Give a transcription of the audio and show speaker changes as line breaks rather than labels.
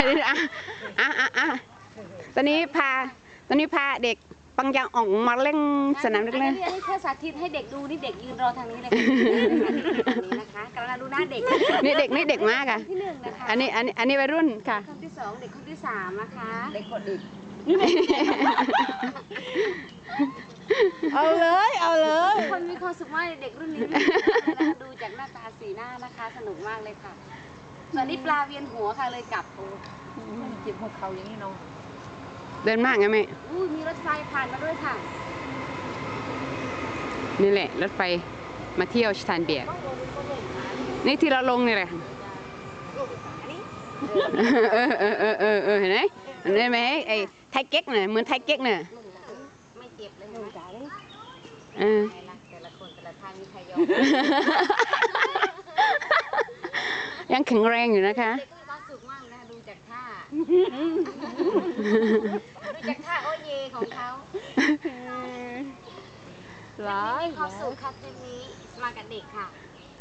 ตอนนี้พาเด็กปังยางอ่องมาเล่นสนามเด็กเล่น
นี่แค่สาธิตให้เด็กดูนี่เด็กยืนรอทางนี้เลยนี่นะคะกำลังดูหน้าเด็ก
นี่เด็กมากอ่ะ
ที่หนึ่งนะคะ
อันนี้วัยรุ่นค่ะ
คนที่2เด็กคนที่3นะคะเด็กคนอีก
เอาเลย
คนมีความสุขมากเด็กรุ่นนี้ดูจากหน้าตาสีหน้านะคะสนุกมากเลยค่ะตอนนี้ปลาเวียนหัวค่ะเลยกลับ
เจ็บหัวเข่าอย่างนี้เนาะ
เดินมากไงแม่
มีรถไฟผ่านมาด้วยค่ะ
นี่แหละรถไฟมาเที่ยวสถานเบียร์นี่ที่เราลงนี่แหละเห็นไหมเห็นไหมไอ้ไทยเก๊กเนี่ยเหมือนไทยเก๊กเนี่ย
ไม่เจ็บเลยแต่ละคนแต่ละทางมีใครยอม
ยังแข็งแรงอยู่นะคะ
เด็กมีความสุขมากนะดูจากท่าโอเยของเขามีความสุขค่ะทริปนี้มากับเด็กค่ะ